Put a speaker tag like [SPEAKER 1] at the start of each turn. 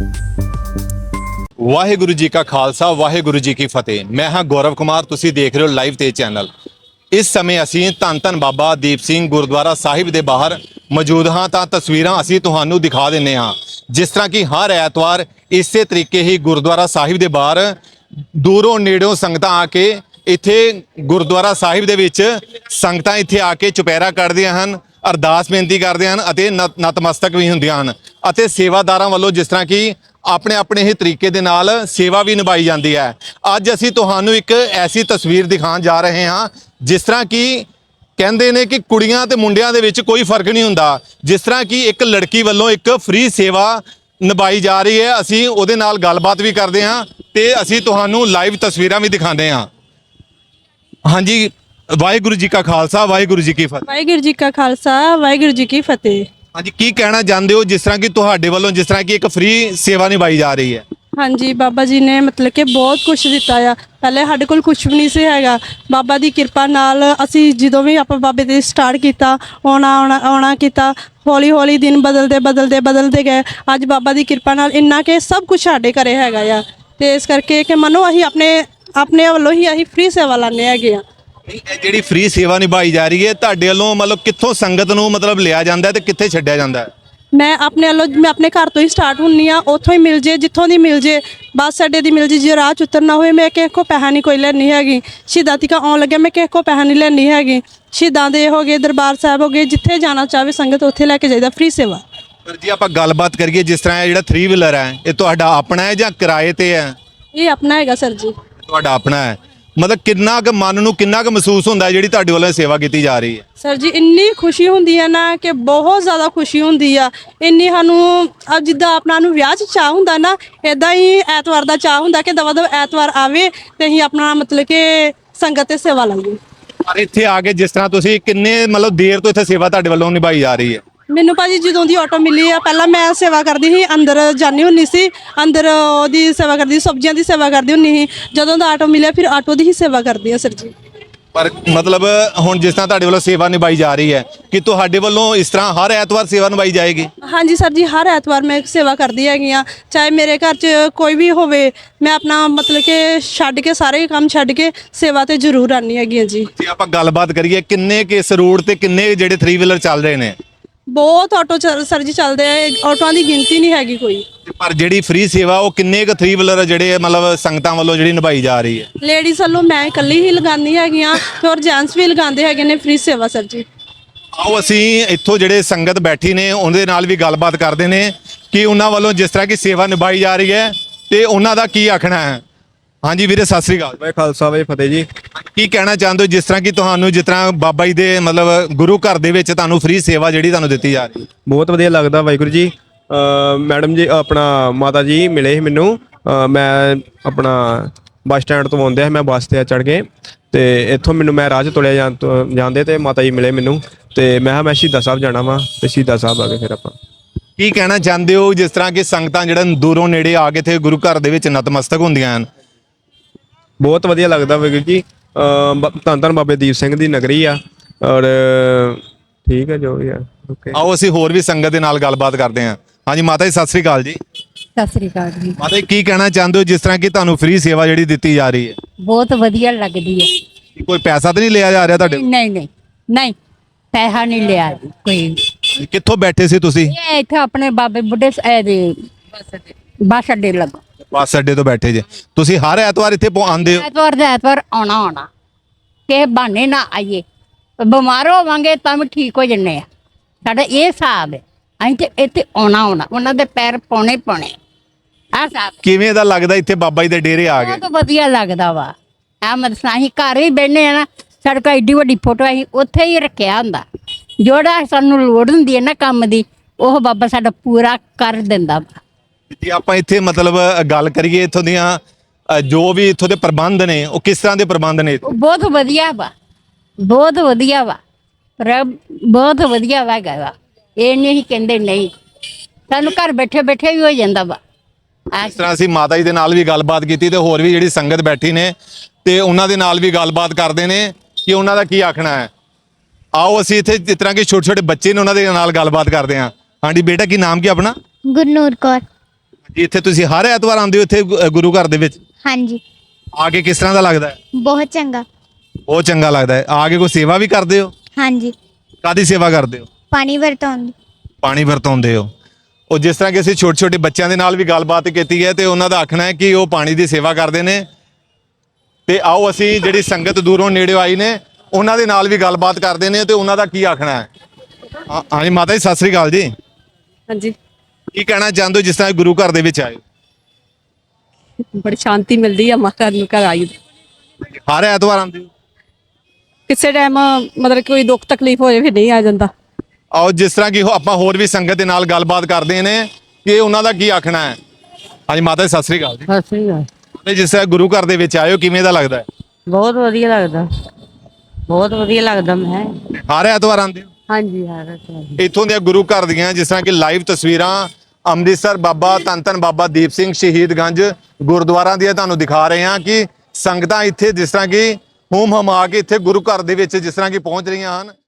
[SPEAKER 1] ਵਾਹਿਗੁਰੂ ਜੀ ਕਾ ਖਾਲਸਾ ਵਾਹਿਗੁਰੂ ਜੀ ਕੀ ਫਤਿਹ। ਮੈਂ ਹਾਂ ਗੌਰਵ ਕੁਮਾਰ, ਤੁਸੀਂ ਦੇਖ ਰਹੇ ਹੋ ਲਾਈਵ ਤੇਜ ਚੈਨਲ। ਇਸ ਸਮੇਂ ਅਸੀਂ ਧੰਨ ਧੰਨ ਬਾਬਾ ਦੀਪ ਸਿੰਘ ਗੁਰਦੁਆਰਾ ਸਾਹਿਬ ਦੇ ਬਾਹਰ ਮੌਜੂਦ ਹਾਂ ਤਾਂ ਤਸਵੀਰਾਂ ਅਸੀਂ ਤੁਹਾਨੂੰ ਦਿਖਾ ਦਿੰਨੇ ਹਾਂ। ਜਿਸ ਤਰ੍ਹਾਂ ਕਿ ਹਰ ਐਤਵਾਰ ਇਸੇ ਤਰੀਕੇ ਹੀ ਗੁਰਦੁਆਰਾ ਸਾਹਿਬ ਦੇ ਬਾਹਰ ਦੂਰੋਂ ਨੇੜਿਓਂ ਸੰਗਤਾਂ ਆ ਕੇ ਇੱਥੇ ਗੁਰਦੁਆਰਾ ਸਾਹਿਬ ਦੇ ਵਿੱਚ ਸੰਗਤਾਂ ਇੱਥੇ ਆ ਕੇ ਚੁਪਹਿਰਾ ਕੱਢਦੀਆਂ ਹਨ, ਅਰਦਾਸ ਬੇਨਤੀ ਕਰਦੇ ਹਨ ਅਤੇ ਨਤਮਸਤਕ ਵੀ ਹੁੰਦੀਆਂ ਹਨ। ਅਤੇ ਸੇਵਾਦਾਰਾਂ ਵੱਲੋਂ ਜਿਸ ਤਰ੍ਹਾਂ ਕਿ ਆਪਣੇ ਆਪਣੇ ਹੀ ਤਰੀਕੇ ਦੇ ਨਾਲ ਸੇਵਾ ਵੀ ਨਿਭਾਈ ਜਾਂਦੀ ਹੈ। ਅੱਜ ਅਸੀਂ ਤੁਹਾਨੂੰ ਇੱਕ ਐਸੀ ਤਸਵੀਰ ਦਿਖਾਉਣ ਜਾ ਰਹੇ ਹਾਂ ਜਿਸ ਤਰ੍ਹਾਂ ਕਿ ਕਹਿੰਦੇ ਨੇ ਕਿ ਕੁੜੀਆਂ ਤੇ ਮੁੰਡਿਆਂ ਦੇ ਵਿੱਚ ਕੋਈ ਫਰਕ ਨਹੀਂ ਹੁੰਦਾ। ਜਿਸ ਤਰ੍ਹਾਂ ਕਿ ਇੱਕ ਲੜਕੀ ਵੱਲੋਂ ਇੱਕ ਫ੍ਰੀ ਸੇਵਾ ਨਿਭਾਈ ਜਾ ਰਹੀ ਹੈ। ਅਸੀਂ ਉਹਦੇ ਨਾਲ ਗੱਲਬਾਤ ਵੀ ਕਰਦੇ ਹਾਂ ਤੇ ਅਸੀਂ ਤੁਹਾਨੂੰ ਲਾਈਵ ਤਸਵੀਰਾਂ ਵੀ ਦਿਖਾਉਂਦੇ ਹਾਂ। ਹਾਂਜੀ, ਵਾਹਿਗੁਰੂ ਜੀ ਕਾ ਖਾਲਸਾ ਵਾਹਿਗੁਰੂ ਜੀ ਕੀ ਫਤਿਹ।
[SPEAKER 2] ਵਾਹਿਗੁਰੂ ਜੀ ਕਾ ਖਾਲਸਾ ਵਾਹਿਗੁਰੂ ਜੀ ਕੀ ਫਤਿਹ।
[SPEAKER 1] ਹਾਂਜੀ, ਕੀ ਕਹਿਣਾ ਚਾਹੁੰਦੇ ਹੋ ਜਿਸ ਤਰ੍ਹਾਂ ਕਿ ਤੁਹਾਡੇ ਵੱਲੋਂ ਜਿਸ ਤਰ੍ਹਾਂ ਕਿ ਇੱਕ ਫ੍ਰੀ ਸੇਵਾ ਨਿਭਾਈ ਜਾ ਰਹੀ ਹੈ?
[SPEAKER 2] ਹਾਂਜੀ, ਬਾਬਾ ਜੀ ਨੇ ਮਤਲਬ ਕਿ ਬਹੁਤ ਕੁਝ ਦਿੱਤਾ ਆ। ਪਹਿਲੇ ਸਾਡੇ ਕੋਲ ਕੁਝ ਵੀ ਨਹੀਂ ਸੀ ਹੈਗਾ। ਬਾਬਾ ਦੀ ਕਿਰਪਾ ਨਾਲ ਅਸੀਂ ਜਦੋਂ ਵੀ ਆਪਾਂ ਬਾਬੇ ਤੇ ਸਟਾਰਟ ਕੀਤਾ ਆਉਣਾ ਕੀਤਾ, ਹੌਲੀ ਹੌਲੀ ਦਿਨ ਬਦਲਦੇ ਗਏ। ਅੱਜ ਬਾਬਾ ਦੀ ਕਿਰਪਾ ਨਾਲ ਇੰਨਾ ਕਿ ਸਭ ਕੁਝ ਸਾਡੇ ਘਰੇ ਹੈਗਾ ਆ। ਤੇ ਇਸ ਕਰਕੇ ਕਿ ਮੰਨੋ ਅਸੀਂ ਆਪਣੇ ਵੱਲੋਂ ਹੀ ਅਸੀਂ ਫ੍ਰੀ ਸੇਵਾ ਲਾਣੇ ਹੈਗੇ ਆ।
[SPEAKER 1] ਇਹ ਜਿਹੜੀ ਫ੍ਰੀ ਸੇਵਾ ਨਿਭਾਈ ਜਾ ਰਹੀ ਹੈ ਤੁਹਾਡੇ ਵੱਲੋਂ ਮਤਲਬ ਕਿੱਥੋਂ ਸੰਗਤ ਨੂੰ ਮਤਲਬ ਲਿਆ ਜਾਂਦਾ ਹੈ ਤੇ ਕਿੱਥੇ ਛੱਡਿਆ ਜਾਂਦਾ ਹੈ?
[SPEAKER 2] ਮੈਂ ਆਪਣੇ ਘਰ ਤੋਂ ਹੀ ਸਟਾਰਟ ਹੁੰਨੀ ਆ। ਉੱਥੋਂ ਹੀ ਮਿਲ ਜੇ, ਜਿੱਥੋਂ ਦੀ ਮਿਲ ਜੇ, ਬੱਸ ਅੱਡੇ ਦੀ ਮਿਲ ਜੇ ਰਾਹ 'ਚ ਉਤਰਨਾ ਹੋਵੇ ਮੈਂ ਕਿਸੇ ਕੋਲ ਪੈਸਾ ਨਹੀਂ ਕੋਈ ਲੈਣੀ ਹੈਗੀ। ਸ਼ਹੀਦਾਂ ਤੀਕਾਂ ਆਉਣ ਲੱਗਿਆ ਮੈਂ ਕਿਸੇ ਕੋਲ ਪੈਸਾ ਨਹੀਂ ਲੈਣੀ ਹੈਗੀ। ਸ਼ਹੀਦਾਂ ਦੇ ਹੋ ਗਏ, ਦਰਬਾਰ ਸਾਹਿਬ ਹੋ ਗਏ, ਜਿੱਥੇ ਜਾਣਾ ਚਾਹਵੇ ਸੰਗਤ ਉੱਥੇ ਲੈ ਕੇ ਜਾਈਦਾ ਫ੍ਰੀ ਸੇਵਾ।
[SPEAKER 1] ਪਰ ਜੀ ਆਪਾਂ ਗੱਲਬਾਤ ਕਰੀਏ, ਜਿਸ ਤਰ੍ਹਾਂ ਇਹ ਜਿਹੜਾ 3 ਵੀਲਰ ਹੈ ਇਹ ਤੁਹਾਡਾ ਆਪਣਾ ਹੈ ਜਾਂ ਕਿਰਾਏ ਤੇ ਹੈ?
[SPEAKER 2] ਇਹ ਆਪਣਾ ਹੈਗਾ ਸਰ ਜੀ।
[SPEAKER 1] ਤੁਹਾਡਾ ਆਪਣਾ ਹੈ। ਮਤਲਬ ਕਿੰਨਾ ਕੁ ਮਨ ਨੂੰ ਕਿੰਨਾ ਕੁ ਮਹਿਸੂਸ ਹੁੰਦਾ ਹੈ ਜਿਹੜੀ ਤੁਹਾਡੇ ਵੱਲੋਂ ਸੇਵਾ ਕੀਤੀ ਜਾ ਰਹੀ ਹੈ?
[SPEAKER 2] ਸਰ ਜੀ ਇੰਨੀ ਖੁਸ਼ੀ ਹੁੰਦੀ ਹੈ ਨਾ ਕਿ ਬਹੁਤ ਜ਼ਿਆਦਾ ਖੁਸ਼ੀ ਹੁੰਦੀ ਆ। ਇੰਨੀ ਸਾਨੂੰ ਜਿੱਦਾਂ ਆਪਣਾ ਨੂੰ ਵਿਆਹ 'ਚ ਚਾਹ ਹੁੰਦਾ ਨਾ, ਇਦਾਂ ਹੀ ਐਤਵਾਰ ਦਾ ਚਾਹ ਹੁੰਦਾ ਕਿ ਦਵਾ ਐਤਵਾਰ ਆਵੇ ਤੇ ਅਸੀਂ ਆਪਣਾ ਮਤਲਬ ਕਿ ਸੰਗਤ ਤੇ ਸੇਵਾ ਲਾਈਏ।
[SPEAKER 1] ਪਰ ਇੱਥੇ ਆ ਕੇ ਜਿਸ ਤਰ੍ਹਾਂ ਤੁਸੀਂ ਕਿੰਨੇ ਮਤਲਬ ਦੇਰ ਤੋਂ ਇੱਥੇ ਸੇਵਾ ਤੁਹਾਡੇ ਵੱਲੋਂ ਨਿਭਾਈ ਜਾ ਰਹੀ ਹੈ?
[SPEAKER 2] ਮੈਨੂੰ ਭਾਜੀ ਜਦੋਂ ਦੀ ਆਟੋ ਮਿਲੀ ਆ, ਪਹਿਲਾਂ ਮੈਂ ਸੇਵਾ ਕਰਦੀ ਸੀ, ਅੰਦਰ ਜਾਣੀ ਹੁੰਦੀ ਸੀ, ਅੰਦਰ ਉਹਦੀ ਸੇਵਾ ਕਰਦੀ, ਸਬਜ਼ੀਆਂ ਦੀ ਸੇਵਾ ਕਰਦੀ ਹੁੰਦੀ ਸੀ। ਜਦੋਂ ਦਾ ਆਟੋ ਮਿਲਿਆ ਫਿਰ ਆਟੋ ਦੀ ਹੀ ਸੇਵਾ ਕਰਦੀ ਆ ਸਰ ਜੀ।
[SPEAKER 1] ਪਰ ਮਤਲਬ ਹੁਣ ਜਿਸ ਤਰ੍ਹਾਂ ਤੁਹਾਡੇ ਵੱਲੋਂ ਸੇਵਾ ਨਿਭਾਈ ਜਾ ਰਹੀ ਹੈ ਕਿ ਤੁਹਾਡੇ ਵੱਲੋਂ ਇਸ ਤਰ੍ਹਾਂ ਹਰ ਐਤਵਾਰ ਸੇਵਾ ਨਿਭਾਈ ਜਾਏਗੀ?
[SPEAKER 2] ਹਾਂਜੀ ਸਰ ਜੀ, ਹਰ ਐਤਵਾਰ ਮੈਂ ਸੇਵਾ ਕਰਦੀ ਹੈਗੀ ਆ। ਚਾਹੇ ਮੇਰੇ ਘਰ 'ਚ ਕੋਈ ਵੀ ਹੋਵੇ, ਮੈਂ ਆਪਣਾ ਮਤਲਬ ਕਿ ਛੱਡ ਕੇ ਸਾਰੇ ਕੰਮ ਛੱਡ ਕੇ ਸੇਵਾ ਤੇ ਜ਼ਰੂਰ ਆਉਂਦੀ ਹੈਗੀ ਆ ਜੀ।
[SPEAKER 1] ਜੇ ਆਪਾਂ ਗੱਲਬਾਤ ਕਰੀਏ ਕਿੰਨੇ ਕਿਸ ਰੂਟ ਤੇ ਕਿੰਨੇ ਜਿਹੜੇ 3 ਵੀਲਰ ਚੱਲ ਰਹੇ ਨੇ?
[SPEAKER 2] ਬਹੁਤ ਆਟੋ ਸਰ ਜੀ ਚੱਲਦੇ ਆ, ਆਟੋਆਂ ਦੀ ਗਿਣਤੀ ਨਹੀਂ ਹੈਗੀ ਕੋਈ।
[SPEAKER 1] ਪਰ ਜਿਹੜੀ ਫ੍ਰੀ ਸੇਵਾ ਉਹ ਕਿੰਨੇ ਕੁ 3 ਵੀਲਰ ਜਿਹੜੇ ਮਤਲਬ ਸੰਗਤਾਂ ਵੱਲੋਂ ਜਿਹੜੀ ਨਿਭਾਈ ਜਾ ਰਹੀ ਹੈ?
[SPEAKER 2] ਲੇਡੀਜ਼ ਵੱਲੋਂ ਮੈਂ ਇਕੱਲੀ ਹੀ ਲਗਾਉਂਦੀ ਹੈਗੀ ਆ ਤੇ ਹੋਰ ਜੈਂਟਸ ਵੀ ਲਗਾਉਂਦੇ ਹੈਗੇ ਨੇ ਫ੍ਰੀ ਸੇਵਾ ਸਰ ਜੀ।
[SPEAKER 1] ਆਓ ਅਸੀਂ ਇੱਥੋਂ ਜਿਹੜੇ ਸੰਗਤ ਬੈਠੀ ਨੇ ਉਹਦੇ ਨਾਲ ਵੀ ਗੱਲਬਾਤ ਕਰਦੇ ਨੇ ਕਿ ਉਹਨਾਂ ਵੱਲੋਂ ਜਿਸ ਤਰ੍ਹਾਂ ਕਿ ਸੇਵਾ ਨਿਭਾਈ ਜਾ ਰਹੀ ਹੈ ਤੇ ਉਹਨਾਂ ਦਾ ਕੀ ਆਖਣਾ ਹੈ। ਹਾਂਜੀ ਵੀਰੇ, ਸਤਿ ਸ੍ਰੀ ਅਕਾਲ।
[SPEAKER 3] ਵਾਹਿ ਖਾਲਸਾ ਵਾਹਿ ਫਤਿਹ ਜੀ।
[SPEAKER 1] ਕੀ ਕਹਿਣਾ ਚਾਹੁੰਦੇ ਹੋ ਜਿਸ ਤਰ੍ਹਾਂ ਕਿ ਤੁਹਾਨੂੰ ਜਿਸ ਤਰ੍ਹਾਂ ਬਾਬਾ ਜੀ ਦੇ ਮਤਲਬ ਗੁਰੂ ਘਰ ਦੇ ਵਿੱਚ ਤੁਹਾਨੂੰ ਫ੍ਰੀ ਸੇਵਾ ਜਿਹੜੀ ਤੁਹਾਨੂੰ ਦਿੱਤੀ ਜਾ ਰਹੀ ਹੈ?
[SPEAKER 3] ਬਹੁਤ ਵਧੀਆ ਲੱਗਦਾ ਵਾਹਿਗੁਰੂ ਜੀ। ਮੈਡਮ ਜੀ ਆਪਣਾ ਮਾਤਾ ਜੀ ਮਿਲੇ ਸੀ ਮੈਨੂੰ। ਮੈਂ ਆਪਣਾ ਬੱਸ ਸਟੈਂਡ ਤੋਂ ਆਉਂਦਿਆ ਸੀ, ਮੈਂ ਬੱਸ ਤੇ ਚੜ੍ਹ ਕੇ ਤੇ ਇੱਥੋਂ ਮੈਨੂੰ ਮੈਂ ਰਾਹ 'ਚ ਤੁਰਿਆ ਜਾਂਦੇ ਤੇ ਮਾਤਾ ਜੀ ਮਿਲੇ ਮੈਨੂੰ ਤੇ ਮੈਂ ਕਿਹਾ ਮੈਂ ਸ਼ਹੀਦਾਂ ਸਾਹਿਬ ਜਾਣਾ ਵਾ ਤੇ ਸ਼ਹੀਦਾਂ ਸਾਹਿਬ ਆ ਗਏ ਫਿਰ ਆਪਾਂ।
[SPEAKER 1] ਕੀ ਕਹਿਣਾ ਚਾਹੁੰਦੇ ਹੋ ਜਿਸ ਤਰ੍ਹਾਂ ਕਿ ਸੰਗਤਾਂ ਜਿਹੜਾ ਦੂਰੋਂ ਨੇੜੇ ਆ ਕੇ ਇੱਥੇ ਗੁਰੂ ਘਰ ਦੇ ਵਿੱਚ ਨਤਮਸਤਕ ਹੁੰਦੀਆਂ ਹਨ?
[SPEAKER 3] ਬਹੁਤ ਵਧੀਆ ਲੱਗਦਾ ਵਾਹਿਗੁਰੂ ਜੀ। ਧੰਨ ਧੰਨ ਬਾਬੇ ਦੀਪ ਸਿੰਘ ਦੀ ਨਗਰੀ ਆ ਔਰ ਠੀਕ ਹੈ ਜੋ ਵੀ ਆ। ਓਕੇ,
[SPEAKER 1] ਆਓ ਅਸੀਂ ਹੋਰ ਵੀ ਸੰਗਤ ਦੇ ਨਾਲ ਗੱਲਬਾਤ ਕਰਦੇ ਹਾਂ। ਹਾਂਜੀ ਮਾਤਾ ਜੀ, ਸਤਿ ਸ੍ਰੀ ਅਕਾਲ ਜੀ।
[SPEAKER 4] ਸਤਿ ਸ੍ਰੀ ਅਕਾਲ ਜੀ।
[SPEAKER 1] ਮਾਤਾ ਜੀ, ਕੀ ਕਹਿਣਾ ਚਾਹੁੰਦੇ ਹੋ ਜਿਸ ਤਰ੍ਹਾਂ ਕਿ ਤੁਹਾਨੂੰ ਫ੍ਰੀ ਸੇਵਾ ਜਿਹੜੀ ਦਿੱਤੀ ਜਾ ਰਹੀ ਹੈ?
[SPEAKER 4] ਬਹੁਤ ਵਧੀਆ ਲੱਗਦੀ ਹੈ।
[SPEAKER 1] ਕੋਈ ਪੈਸਾ ਤਾਂ ਨਹੀਂ ਲਿਆ ਜਾ ਰਿਹਾ ਤੁਹਾਡੇ?
[SPEAKER 4] ਨਹੀਂ ਪੈਸਾ ਨਹੀਂ ਲਿਆ ਜੀ ਕੋਈ।
[SPEAKER 1] ਕਿੱਥੋਂ ਬੈਠੇ ਸੀ ਤੁਸੀਂ?
[SPEAKER 4] ਇਹ ਇੱਥੇ ਆਪਣੇ ਬਾਬੇ ਬੁੱਢੇ ਦੇ ਬੱਸ ਅੱਡੇ ਲੱਗਾ।
[SPEAKER 1] ਬੱਸ ਅੱਡੇ ਤੋਂ ਬੈਠੇ ਜੇ ਤੁਸੀਂ? ਹਰ ਐਤਵਾਰ ਇੱਥੇ ਆਉਂਦੇ ਹੋ?
[SPEAKER 4] ਐਤਵਾਰ ਦਾ ਐਤਵਾਰ ਆਉਣਾ ਕਿਸੇ ਬਹਾਨੇ ਨਾ ਆਈਏ। ਬਿਮਾਰ ਹੋਵਾਂਗੇ ਤਾਂ ਵੀ ਠੀਕ ਹੋ ਜੰਨੇ ਆ। ਸਾਡਾ ਇਹ ਹਿਸਾਬ ਹੈ, ਅਸੀਂ ਤੇ ਇੱਥੇ ਆਉਣਾ ਉਹਨਾਂ ਦੇ ਪੈਰ ਪਾਉਣੇ ਆ ਸਾਹਿਬ।
[SPEAKER 1] ਕਿਵੇਂ ਦਾ ਲੱਗਦਾ ਇੱਥੇ ਬਾਬਾ ਜੀ ਦੇ ਡੇਰੇ ਆ ਗਏ?
[SPEAKER 4] ਬਹੁਤ ਵਧੀਆ ਲੱਗਦਾ ਵਾ। ਮਤਲਬ ਅਸੀਂ ਘਰ ਹੀ ਬਹਿੰਦੇ ਆ ਨਾ, ਸਾਡੇ ਕੋਲ ਐਡੀ ਵੱਡੀ ਫੋਟੋ ਅਸੀਂ ਉੱਥੇ ਹੀ ਰੱਖਿਆ ਹੁੰਦਾ। ਜਿਹੜਾ ਸਾਨੂੰ ਲੋੜ ਹੁੰਦੀ ਹੈ ਨਾ ਕੰਮ ਦੀ, ਉਹ ਬਾਬਾ ਸਾਡਾ ਪੂਰਾ ਕਰ ਦਿੰਦਾ ਵਾ।
[SPEAKER 1] ਜੇ ਆਪਾਂ ਇੱਥੇ ਮਤਲਬ ਗੱਲ ਕਰੀਏ ਇੱਥੋਂ ਦੀਆਂ ਜੋ ਵੀ ਇੱਥੋਂ ਦੇ ਪ੍ਰਬੰਧ ਨੇ, ਉਹ ਕਿਸ ਤਰ੍ਹਾਂ ਦੇ ਪ੍ਰਬੰਧ ਨੇ?
[SPEAKER 4] ਬਹੁਤ ਵਧੀਆ ਵਾ, ਬਹੁਤ ਵਧੀਆ ਵਾ, ਬਹੁਤ ਵਧੀਆ ਵਾ ਹੈਗਾ ਵਾ। ਇਹ ਨਹੀਂ ਕਹਿੰਦੇ ਨਹੀਂ, ਸਾਨੂੰ ਘਰ ਬੈਠੇ ਵੀ ਹੋ ਜਾਂਦਾ ਵਾ।
[SPEAKER 1] ਇਸ ਤਰ੍ਹਾਂ ਅਸੀਂ ਮਾਤਾ ਜੀ ਦੇ ਨਾਲ ਵੀ ਗੱਲਬਾਤ ਕੀਤੀ ਤੇ ਹੋਰ ਵੀ ਜਿਹੜੀ ਸੰਗਤ ਬੈਠੀ ਨੇ ਤੇ ਉਹਨਾਂ ਦੇ ਨਾਲ ਵੀ ਗੱਲਬਾਤ ਕਰਦੇ ਨੇ ਕਿ ਉਹਨਾਂ ਦਾ ਕੀ ਆਖਣਾ ਹੈ। ਆਓ ਅਸੀਂ ਇੱਥੇ ਜਿਸ ਤਰ੍ਹਾਂ ਕਿ ਛੋਟੇ ਛੋਟੇ ਬੱਚੇ ਨੇ ਉਹਨਾਂ ਦੇ ਨਾਲ ਗੱਲਬਾਤ ਕਰਦੇ ਹਾਂ। ਹਾਂਜੀ ਬੇਟਾ, ਕੀ ਨਾਮ ਕੀ ਆਪਣਾ?
[SPEAKER 5] ਗੁਰਨੂਰ ਕੌਰ।
[SPEAKER 1] ਇੱਥੇ ਤੁਸੀਂ ਹਰ ਐਤਵਾਰ ਆਉਂਦੇ ਹੋ ਇੱਥੇ ਗੁਰੂ ਘਰ ਦੇ ਵਿੱਚ?
[SPEAKER 5] ਹਾਂਜੀ
[SPEAKER 1] ਆ ਕੇ ਕਿਸ ਤਰ੍ਹਾਂ ਦਾ ਲੱਗਦਾ ਹੈ?
[SPEAKER 5] ਬਹੁਤ ਚੰਗਾ।
[SPEAKER 1] ਬਹੁਤ ਚੰਗਾ ਲੱਗਦਾ ਹੈ। ਆ ਕੇ ਕੋਈ ਸੇਵਾ ਵੀ ਕਰਦੇ ਹੋ?
[SPEAKER 5] ਹਾਂਜੀ
[SPEAKER 1] ਕਾਹਦੀ ਸੇਵਾ ਕਰਦੇ ਹੋ?
[SPEAKER 5] ਪਾਣੀ ਵਰਤਾਉਣ ਦੀ।
[SPEAKER 1] ਪਾਣੀ ਵਰਤਾਉਂਦੇ ਹੋ। ਉਹ ਜਿਸ ਤਰ੍ਹਾਂ ਕਿ ਅਸੀਂ ਛੋਟੇ ਛੋਟੇ ਬੱਚਿਆਂ ਦੇ ਨਾਲ ਵੀ ਗੱਲਬਾਤ ਕੀਤੀ ਹੈ ਤੇ ਉਹਨਾਂ ਦਾ ਆਖਣਾ ਹੈ ਕਿ ਉਹ ਪਾਣੀ ਦੀ ਸੇਵਾ ਕਰਦੇ ਨੇ। ਤੇ ਆਓ ਅਸੀਂ ਜਿਹੜੀ ਸੰਗਤ ਦੂਰੋਂ ਨੇੜਿਓਂ ਆਈ ਨੇ ਉਹਨਾਂ ਦੇ ਨਾਲ ਵੀ ਗੱਲਬਾਤ ਕਰਦੇ ਨੇ ਤੇ ਉਹਨਾਂ ਦਾ ਕੀ ਆਖਣਾ ਹੈ। ਹਾਂਜੀ ਮਾਤਾ ਜੀ ਸਤਿ ਸ੍ਰੀ ਅਕਾਲ ਜੀ।
[SPEAKER 6] ਹਾਂਜੀ,
[SPEAKER 1] ਕੀ ਕਹਿਣਾ ਚਾਹੁੰਦੇ ਹੋ ਜਿਸ ਤਰ੍ਹਾਂ ਗੁਰੂ ਘਰ ਦੇ ਵਿੱਚ ਆਏ?
[SPEAKER 6] ਬੜੀ ਸ਼ਾਂਤੀ ਮਿਲਦੀ ਆ ਮਾਤਾ ਨੂੰ ਘਰ ਆਈ।
[SPEAKER 1] ਹਰ ਐਤਵਾਰ ਆਉਂਦੇ ਹੋ?
[SPEAKER 6] ਕਿਸੇ ਟਾਈਮ ਮਤਲਬ ਕੋਈ ਦੁੱਖ ਤਕਲੀਫ ਹੋਏ ਫਿਰ ਨਹੀਂ ਆ ਜਾਂਦਾ।
[SPEAKER 1] ਆਓ ਜਿਸ ਤਰ੍ਹਾਂ ਕਿ ਆਪਾਂ ਹੋਰ ਵੀ ਸੰਗਤ ਦੇ ਨਾਲ ਗੱਲਬਾਤ ਕਰਦੇ ਨੇ ਕਿ ਉਹਨਾਂ ਦਾ ਕੀ ਆਖਣਾ ਹੈ। ਹਾਂਜੀ ਮਾਤਾ ਜੀ ਸਤਿ ਸ੍ਰੀ ਅਕਾਲ ਜੀ।
[SPEAKER 7] ਸਤਿ ਸ੍ਰੀ ਅਕਾਲ।
[SPEAKER 1] ਤੇ ਜਿਸ ਤਰ੍ਹਾਂ ਗੁਰੂ ਘਰ ਦੇ ਵਿੱਚ ਆਏ ਹੋ ਕਿਵੇਂ ਦਾ ਲੱਗਦਾ ਹੈ?
[SPEAKER 7] ਬਹੁਤ ਵਧੀਆ ਲੱਗਦਾ, ਬਹੁਤ ਵਧੀਆ ਲੱਗਦਾ। ਮੈਂ
[SPEAKER 1] ਹਰ ਐਤਵਾਰ ਆਉਂਦੇ ਹੋ?
[SPEAKER 7] ਹਾਂਜੀ ਹਾਂ।
[SPEAKER 1] ਇੱਥੋਂ ਦੀਆਂ ਗੁਰੂ ਘਰ ਦੀਆਂ ਜਿਸ ਤਰ੍ਹਾਂ ਕਿ ਲਾਈਵ ਤਸਵੀਰਾਂ ਅੰਮ੍ਰਿਤਸਰ ਬਾਬਾ ਧੰਨ ਧੰਨ ਬਾਬਾ ਦੀਪ ਸਿੰਘ ਸ਼ਹੀਦਗੰਜ ਗੁਰਦੁਆਰਾ ਦੀਆਂ ਤੁਹਾਨੂੰ ਦਿਖਾ ਰਹੇ ਹਾਂ ਕਿ ਸੰਗਤਾਂ ਇੱਥੇ ਜਿਸ ਤਰ੍ਹਾਂ ਕਿ ਹੂਮ ਹਮਾ ਕੇ ਇੱਥੇ ਗੁਰੂ ਘਰ ਦੇ ਵਿੱਚ ਜਿਸ ਤਰ੍ਹਾਂ ਕਿ ਪਹੁੰਚ ਰਹੀਆਂ ਹਨ।